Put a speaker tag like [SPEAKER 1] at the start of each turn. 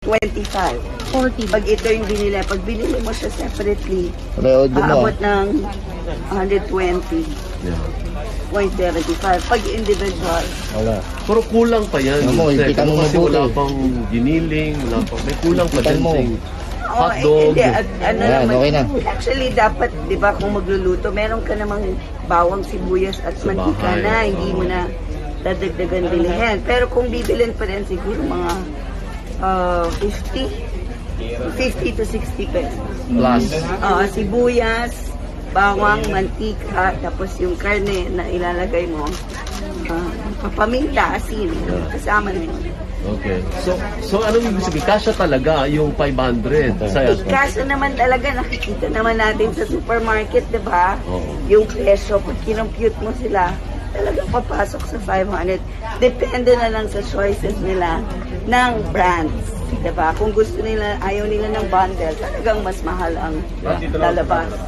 [SPEAKER 1] 25.
[SPEAKER 2] 40.
[SPEAKER 1] Pag ito yung binili, pag binili mo siya separately,
[SPEAKER 3] Reod mo.
[SPEAKER 1] aabot ng 120.75.
[SPEAKER 3] Yeah.
[SPEAKER 1] Pag individual,
[SPEAKER 3] Wala.
[SPEAKER 4] Pero kulang pa yan.
[SPEAKER 3] Ano mo,
[SPEAKER 4] Sek.
[SPEAKER 3] ipitan mo
[SPEAKER 4] Kasi
[SPEAKER 3] mabuti.
[SPEAKER 4] wala pang giniling, wala pang, may kulang pa
[SPEAKER 3] Ipitan
[SPEAKER 4] din.
[SPEAKER 3] mo.
[SPEAKER 4] Sek. Hotdog.
[SPEAKER 1] hindi, ano
[SPEAKER 3] Ayan,
[SPEAKER 1] naman,
[SPEAKER 3] okay na.
[SPEAKER 1] actually dapat, di ba, kung magluluto, meron ka namang bawang, sibuyas at
[SPEAKER 4] Sa
[SPEAKER 1] mantika
[SPEAKER 4] bahay,
[SPEAKER 1] na, hindi mo na dadagdagan bilihin. Pero kung bibilin pa rin siguro mga 50 to 60 pesos.
[SPEAKER 4] Plus.
[SPEAKER 1] Sibuyas, bawang, mantika, tapos yung karne na ilalagay mo, papaminta, asin, kasama na yun.
[SPEAKER 4] Okay. So anong ibig sabihin? Kasya talaga yung 500.
[SPEAKER 1] Kaso naman talaga, nakikita naman natin sa supermarket, di ba?
[SPEAKER 4] Oo.
[SPEAKER 1] Yung presyo, pag kinompute mo sila, talagang papasok sa 500. Depende na lang sa choices nila ng brands. Di ba? Kung gusto nila, ayaw nila ng bundle, talagang mas mahal ang lalabas.